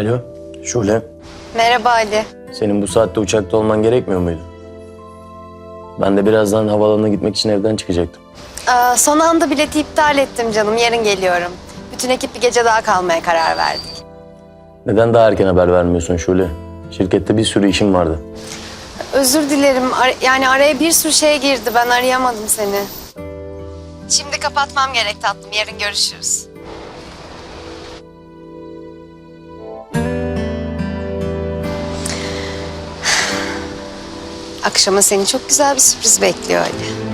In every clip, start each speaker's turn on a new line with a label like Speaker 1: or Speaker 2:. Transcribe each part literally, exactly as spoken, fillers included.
Speaker 1: Alo, Şule.
Speaker 2: Merhaba Ali.
Speaker 1: Senin bu saatte uçakta olman gerekmiyor muydu? Ben de birazdan havaalanına gitmek için evden çıkacaktım.
Speaker 2: Aa, son anda bileti iptal ettim canım. Yarın geliyorum. Bütün ekip bir gece daha kalmaya karar verdik.
Speaker 1: Neden daha erken haber vermiyorsun Şule? Şirkette bir sürü işim vardı.
Speaker 2: Özür dilerim. Ar- yani araya bir sürü şey girdi. Ben arayamadım seni. Şimdi kapatmam gerek tatlım. Yarın görüşürüz. Akşama seni çok güzel bir sürpriz bekliyor Ali.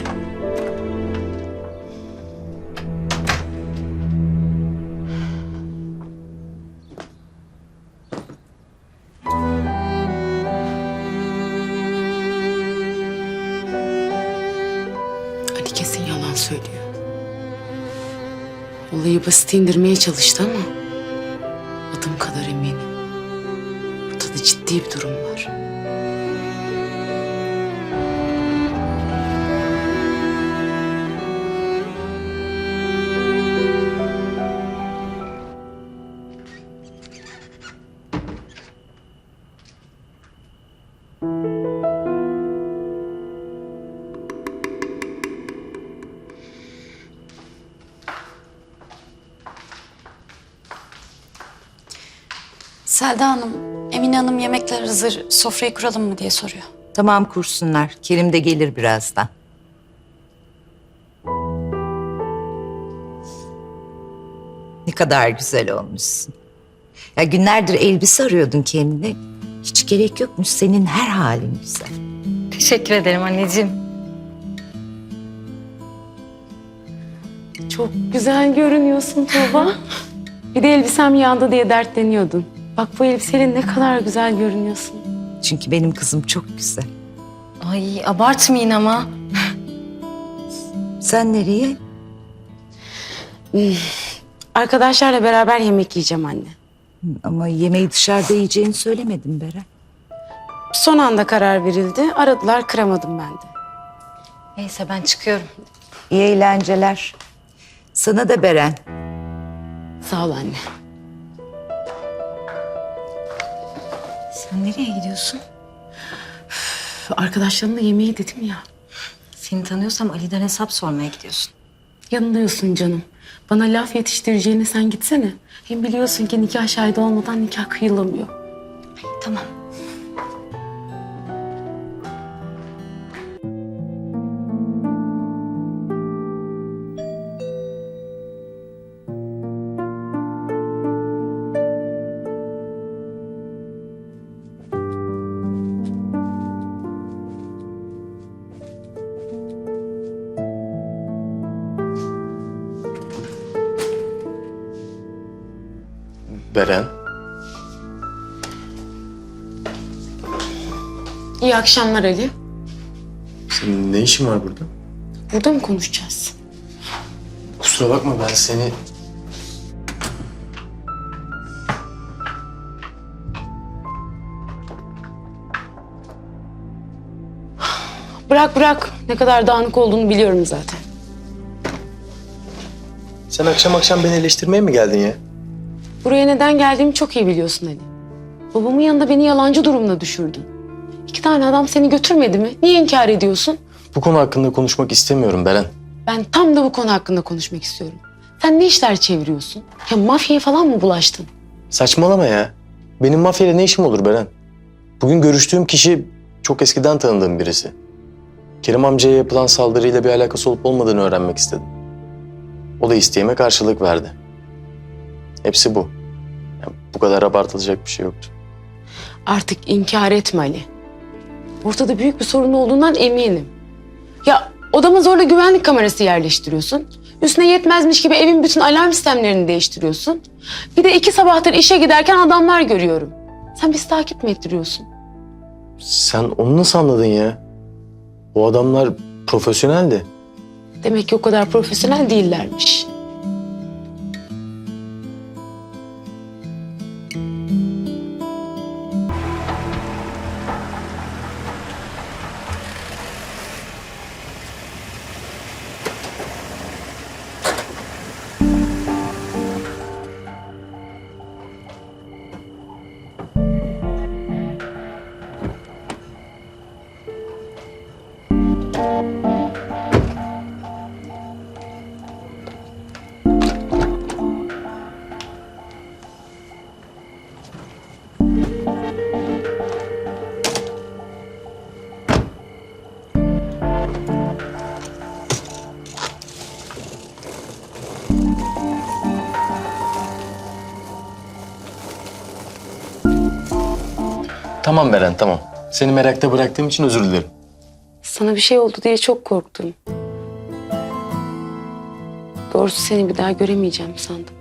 Speaker 3: Ali kesin yalan söylüyor. Olayı basit indirmeye çalıştı ama adım kadar eminim. Ortada ciddi bir durum var.
Speaker 4: Selda Hanım, Emine Hanım yemekler hazır, sofrayı kuralım mı diye soruyor.
Speaker 5: Tamam kursunlar. Kerim de gelir birazdan. Ne kadar güzel olmuşsun. Ya günlerdir elbise arıyordun kendine. Hiç gerek yokmuş. Senin her halin güzel.
Speaker 4: Teşekkür ederim anneciğim.
Speaker 3: Çok güzel görünüyorsun Tuğba. Bir de elbisem yağdı diye dertleniyordun. Bak bu elbiseyle ne kadar güzel görünüyorsun.
Speaker 5: Çünkü benim kızım çok güzel.
Speaker 4: Ay abartmayın ama.
Speaker 5: Sen nereye?
Speaker 3: Arkadaşlarla beraber yemek yiyeceğim anne.
Speaker 5: Hı, ama yemeği dışarıda yiyeceğini söylemedim Beren.
Speaker 3: Son anda karar verildi. Aradılar, kıramadım ben de.
Speaker 4: Neyse ben çıkıyorum.
Speaker 5: İyi eğlenceler. Sana da Beren.
Speaker 3: Sağ ol anne.
Speaker 4: Sen nereye gidiyorsun?
Speaker 3: Arkadaşlarımla yemeği dedim ya.
Speaker 4: Seni tanıyorsam Ali'den hesap sormaya gidiyorsun.
Speaker 3: Yanılıyorsun canım. Bana laf yetiştireceğine sen gitsene. Hem biliyorsun ki nikah şahidi olmadan nikah kıyılamıyor.
Speaker 4: Tamam.
Speaker 1: Beren.
Speaker 3: İyi akşamlar Ali.
Speaker 1: Senin ne işin var burada?
Speaker 3: Burada mı konuşacağız?
Speaker 1: Kusura bakma ben seni...
Speaker 3: Bırak bırak. Ne kadar dağınık olduğunu biliyorum zaten.
Speaker 1: Sen akşam akşam beni eleştirmeye mi geldin ya?
Speaker 3: Buraya neden geldiğimi çok iyi biliyorsun Ali. Babamın yanında beni yalancı durumuna düşürdün. İki tane adam seni götürmedi mi? Niye inkar ediyorsun?
Speaker 1: Bu konu hakkında konuşmak istemiyorum Beren.
Speaker 3: Ben tam da bu konu hakkında konuşmak istiyorum. Sen ne işler çeviriyorsun? Ya mafyaya falan mı bulaştın?
Speaker 1: Saçmalama ya. Benim mafyayla ne işim olur Beren? Bugün görüştüğüm kişi çok eskiden tanıdığım birisi. Kerim amcaya yapılan saldırıyla bir alakası olup olmadığını öğrenmek istedim. O da isteğime karşılık verdi. Hepsi bu. Yani bu kadar abartılacak bir şey yoktu.
Speaker 3: Artık inkar etme Ali. Ortada büyük bir sorun olduğundan eminim. Ya odama zorla güvenlik kamerası yerleştiriyorsun. Üstüne yetmezmiş gibi evin bütün alarm sistemlerini değiştiriyorsun. Bir de iki sabahtır işe giderken adamlar görüyorum. Sen bizi takip mi ettiriyorsun?
Speaker 1: Sen onu nasıl anladın ya? O adamlar profesyoneldi.
Speaker 3: Demek ki o kadar profesyonel değillermiş.
Speaker 1: Tamam Beren, tamam. Seni merakta bıraktığım için özür dilerim.
Speaker 3: Sana bir şey oldu diye çok korktum. Doğrusu seni bir daha göremeyeceğim sandım.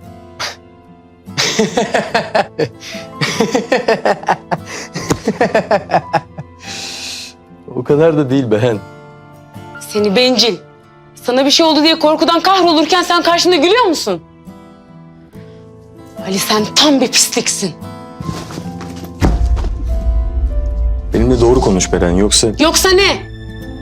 Speaker 1: O kadar da değil Beren.
Speaker 3: Seni bencil. Sana bir şey oldu diye korkudan kahrolurken sen karşımda gülüyor musun? Ali sen tam bir pisliksin.
Speaker 1: Benimle doğru konuş Beren, yoksa...
Speaker 3: Yoksa ne?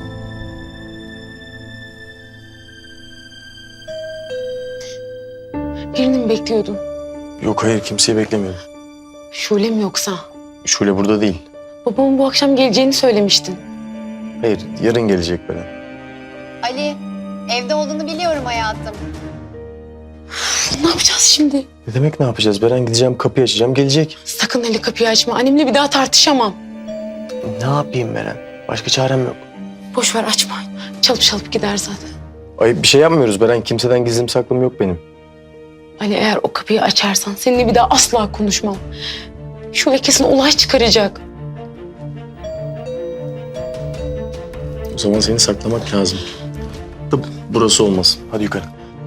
Speaker 3: Birini mi bekliyordun?
Speaker 1: Yok hayır, kimseyi beklemiyorum.
Speaker 3: Şule mi yoksa?
Speaker 1: Şule burada değil.
Speaker 3: Babamın bu akşam geleceğini söylemiştin.
Speaker 1: Hayır, yarın gelecek Beren.
Speaker 2: Ali, evde olduğunu biliyorum hayatım.
Speaker 3: Ne yapacağız şimdi?
Speaker 1: Ne demek ne yapacağız Beren? Gideceğim, kapıyı açacağım, gelecek.
Speaker 3: Sakın Ali kapıyı açma. Annemle bir daha tartışamam.
Speaker 1: Ne yapayım Beren? Başka çarem yok.
Speaker 3: Boş ver açma. Çalıp çalıp gider zaten.
Speaker 1: Ay bir şey yapmıyoruz Beren. Kimseden gizlim saklım yok benim.
Speaker 3: Ali eğer o kapıyı açarsan seninle bir daha asla konuşmam. Şule kesin olay çıkaracak.
Speaker 1: O zaman seni saklamak lazım. Da burası olmaz. Hadi yukarı.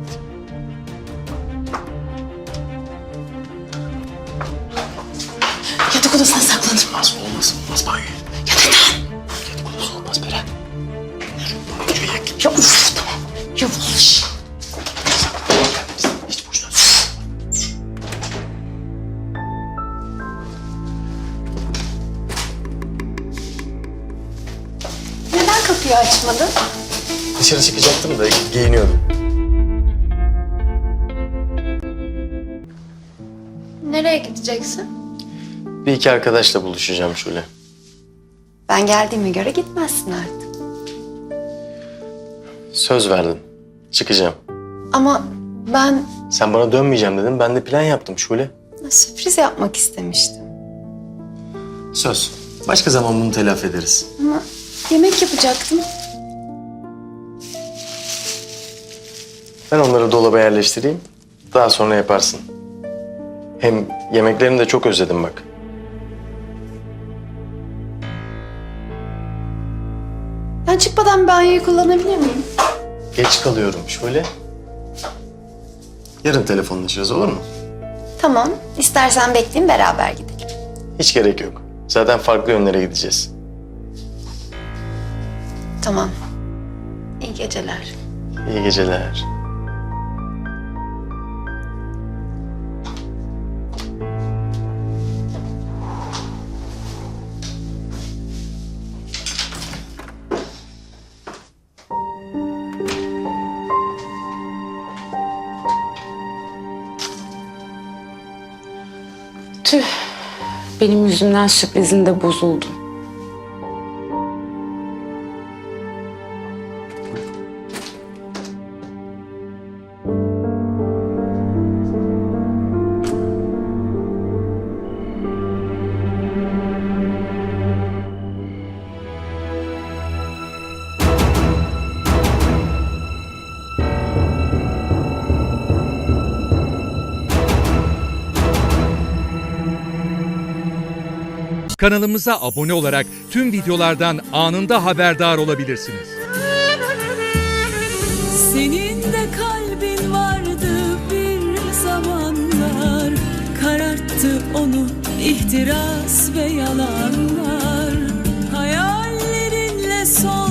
Speaker 3: Yatak odasına saklanır.
Speaker 1: Olmaz, olmaz, olmaz banyo.
Speaker 3: Ya neden?
Speaker 1: Yatak odası olmaz Beren.
Speaker 3: Ya uf tamam. Yavaş.
Speaker 1: Hiç boşuna.
Speaker 2: Neden kapıyı açmadın?
Speaker 1: Dışarı çıkacaktım da giyiniyordum.
Speaker 2: Nereye gideceksin?
Speaker 1: Bir iki arkadaşla buluşacağım Şule.
Speaker 2: Ben geldiğime göre gitmezsin artık.
Speaker 1: Söz verdim. Çıkacağım.
Speaker 2: Ama ben
Speaker 1: Sen bana dönmeyeceğim dedin. Ben de plan yaptım Şule.
Speaker 2: sürpriz yapmak istemiştim.
Speaker 1: Söz. Başka zaman bunu telafi ederiz.
Speaker 2: Ama yemek yapacaktım.
Speaker 1: Ben onları dolaba yerleştireyim. Daha sonra yaparsın. Hem yemeklerini de çok özledim bak.
Speaker 2: Ben çıkmadan banyoyu kullanabilir miyim?
Speaker 1: Geç kalıyorum şöyle. Yarın telefonlaşırız, olur mu?
Speaker 2: Tamam. İstersen bekleyin, beraber gidelim.
Speaker 1: Hiç gerek yok. Zaten farklı yönlere gideceğiz.
Speaker 2: Tamam. İyi geceler.
Speaker 1: İyi geceler.
Speaker 3: Tüh. Benim yüzümden sürprizin de bozuldu.
Speaker 6: Kanalımıza abone olarak tüm videolardan anında haberdar olabilirsiniz.
Speaker 7: Senin de kalbin vardı bir zamanlar, kararttı onu ihtiras ve yalanlar. Hayallerinle son